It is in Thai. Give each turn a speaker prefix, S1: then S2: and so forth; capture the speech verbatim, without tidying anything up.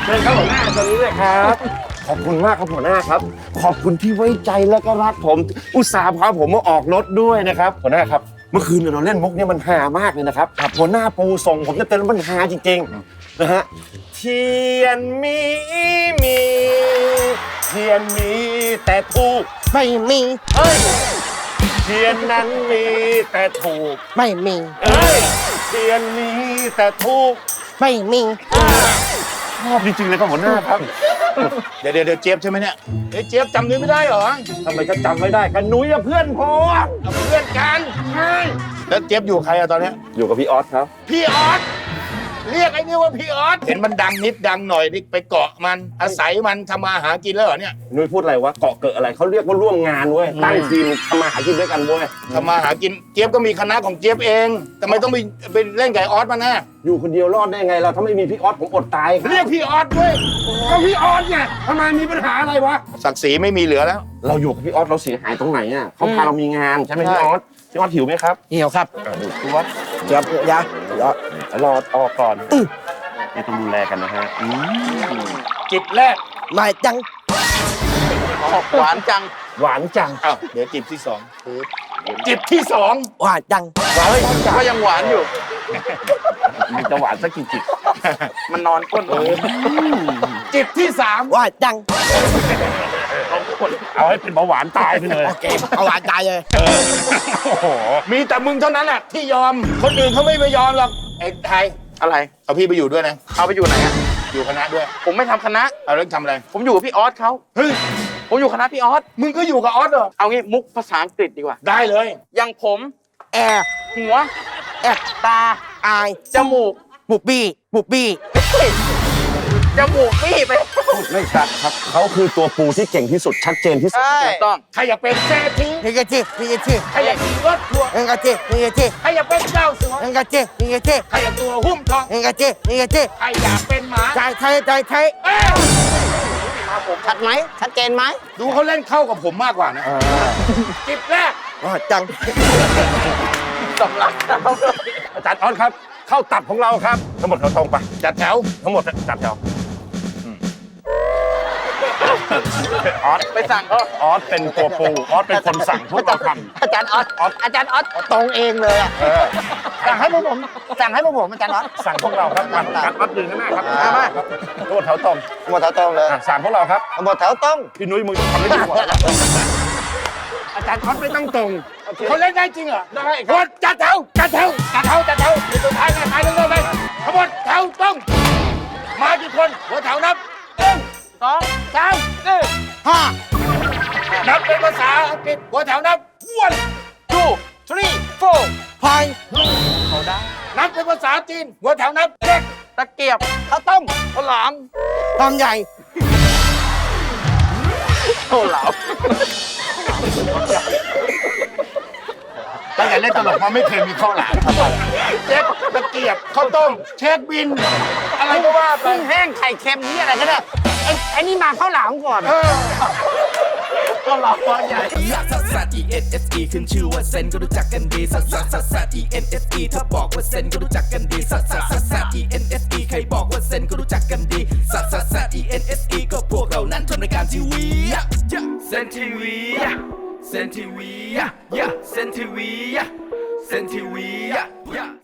S1: เชิญครับหัวหน้าตรงนี้เลยครับขอบคุณมากครับหัวหน้าครับขอบคุณที่ไว้ใจและก็รักผมอุตส่าห์พาผมมาออกรถด้วยนะครับหัวหน้าครับเมื่อคืนเราเล่นมุกเนี่ยมันฮามากเลยนะครับหัวหน้าปูส่งผมจะเต้นแล้วมันฮาจริงๆนะฮะเทียนมีมีเทียนมีแต่ถูกไม่มีเฮ้ยเทียนนั้นมีแต่ถูกไม่มีเอ้ยเทียนมีแต่ถูกไม่มีชอบจริงๆเลยครับหัวหน้าครับ
S2: เดี๋ยวเดี๋ยวเจี๊ยบใช่ไหมเนี่ยเฮ้ยเจี๊ยบจำนี้ไม่ได้เหรอ
S1: ทำไมจะจำไม่ได้กันนุ้ยเพื่อนผม
S2: เพื่อนกันใช่แล้วเจี๊ยบอยู่ใครอะตอนเนี้ย
S1: อยู่กับพี่ออสครับ
S2: พี่ออสเรียกไอ้นี่ว่าพี่ออสเห็นมันดังนิดดังหน่อยนี่ไปเกาะมันอาศัยมันทำมาหากินแล้วเหรอเนี่ย
S1: นุ้ยพูดอะไรวะเกาะเกิดอะไรเขาเรียกว่าร่วมงานเว้ยตั้งทีมทำมาหากินด้วยกันเว้ย
S2: ทำมาหากินเจี๊ยบก็มีคณะของเจี๊ยบเองทำไมต้องไปไปเล่นไก่ออสมาแน่
S1: อยู่คนเดียวรอดได้ไงเราถ้าไม่มีพี่ออสผมอดตาย
S2: เรียกพี่ออสด้วย
S1: ก็พี่ออสไงทำไมมีปัญหาอะไรวะ
S2: ศักดิ์ศรีไม่มีเหลือแล้ว
S1: เราอยู่กับพี่ออสเราเสียหายตรงไหนอ่ะเขาพาเรามีงานใช่ไหมพี่ออสพี่ออสหิวไหมครับ
S3: หิวครับ
S1: พี่ออส
S3: เดี๋ยวเดี๋ยว
S1: รอรอออกก่อนไม่ต้องดูแลกันนะฮะ
S2: จิบแรก
S3: ไม่จัง
S2: หวานจัง
S1: หวานจัง
S2: อ้าวเดี๋ยวจิบที่สองจิบที่สอง
S3: หวานจัง
S2: หวานก็ยังหวานอยู่
S1: มันจะหวานสักกี่จิบ
S2: มันนอนก้นจิบที่สาม
S3: หวานจัง
S1: เอาให้เป็นเบาหวานตายไปเลย
S3: โอเคเบาหวานตายเลย
S1: โอ้โห
S2: มีแต่มึงเท่านั้นแหละที่ยอมคนอื่นเขาไม่ไปยอมหรอกไอ้ไทย
S4: อะไร
S2: เอาพี่ไปอยู่ด้วยนะ
S4: เอาไปอยู่ไหนอะ
S2: อยู่คณะด้วย
S4: ผมไม่ทำคณะ
S2: เอาแล้วทำอะไร
S4: ผมอยู่กับพี่ออสเขา
S2: เฮ้ย
S4: ผมอยู่คณะพี่ออส
S2: มึงก็อยู่กับออสเหรอ
S4: เอางี้มุกภาษาอังกฤษดีกว่า
S2: ได้เลย
S4: อย่างผม
S3: แอร์
S4: หัว
S3: แอดตาอาย
S4: จมูก
S3: บุบบี้บุบบี้
S4: จมูกบี้ไป
S1: ไม่ชัดครับเขาคือตัวปูที่เก่งที่สุดชัดเจนที่สุด
S4: ถูกต้อง
S2: ใครอยากเป็นเศรษฐี
S3: นี่กะจินี่กะจิ
S2: ใครอยากขี่รถทัวร์
S3: นี่กะจินี่กะจิ
S2: ใครอยากเป็นเจ้าสัว
S3: นี่กะจินี่กะจิ
S2: ใครอยากตัวหุ้มทอง
S3: นี่กะจินี่กะจิ
S2: ใครอยากเป็นหมา
S3: ใจไทยใจไทยชัดไหมชัดเจนไหม
S2: ดูเขาเล่นเข้ากับผมมากกว่านะจิบแรก
S3: ว่าจัง
S4: สำลัก
S1: อาจารย์ออสครับเข้าตับของเราครับทั้งหมดแถวตรงไป
S2: จัดแถว
S1: ทั้งหมดจัดแถว
S4: ออสไปสั่งเขา
S1: ออสเป็นตัวปูออสเป็นคนสั่งพวกเราทำ
S3: อาจารย์ออสอาจารย์ออสตรงเองเลยอ่ะสั่งให้พวกผมสั่งให้พวกผมอาจารย์ออส
S1: สั่งพวกเราครับอาจารย์ออสยืนข้างหน้าครับมาทั้งหมดแถวตรง
S3: ทั้งหมดแถวตรงเลย
S1: สั่งพวกเราครับ
S3: ทั้งหมดแถวตรง
S1: พี่นุ้ยมึงทำได้ดีกว่าอาจารย์ออสไม่ต้องตรง
S2: เขาเล่นได้จริงเหรอได้หมดจัดแถวจัดแถวจัดแถวจัดแถวสุดท้ายไงท้ายเรื่อยๆไปทั้งหมดแถวตรงมากี่คนหัวแถวนับหนึ่ง
S4: สอง
S2: สามสี่
S3: ห้า
S2: นับเป็นภาษาอังกฤษหัวแถวนับ one two three four
S3: พาย
S4: เขาได้
S2: นับเป็นภาษาจีนหัวแถวนับเด็ก
S4: ตะเกียบ
S3: ข้าวต้ม
S4: ข้าวหลาม
S3: ทำใหญ่
S4: ข้าวหลาม
S2: ตั้งแต่เล่นตลกมาไม่เคยมีข้าวหลามเช็คตะเกียบข้าวต้มเช็คบินอะไรก็ว่าไป
S3: แห้งไข่เค็มนี่อะไรก็ได้ไอ้ไอ้นี่มาข้าวหลามก่อน
S4: ข้าวหลามใหญ่
S5: ซัสซัส E N S E ขึ้นชื่อว่าเซนก็รู้จักกันดีซัสซัสซัสซัส E N S E ถ้าบอกว่าเซนก็รู้จักกันดีซัสซัสซัสซัส E N S E ใครบอกว่าเซนก็รู้จักกันดีซัสซัสซัส E N S E ก็พวกเรานั้นทำรายการทีวีเซนทีวีเซนทีวีเซนทีวี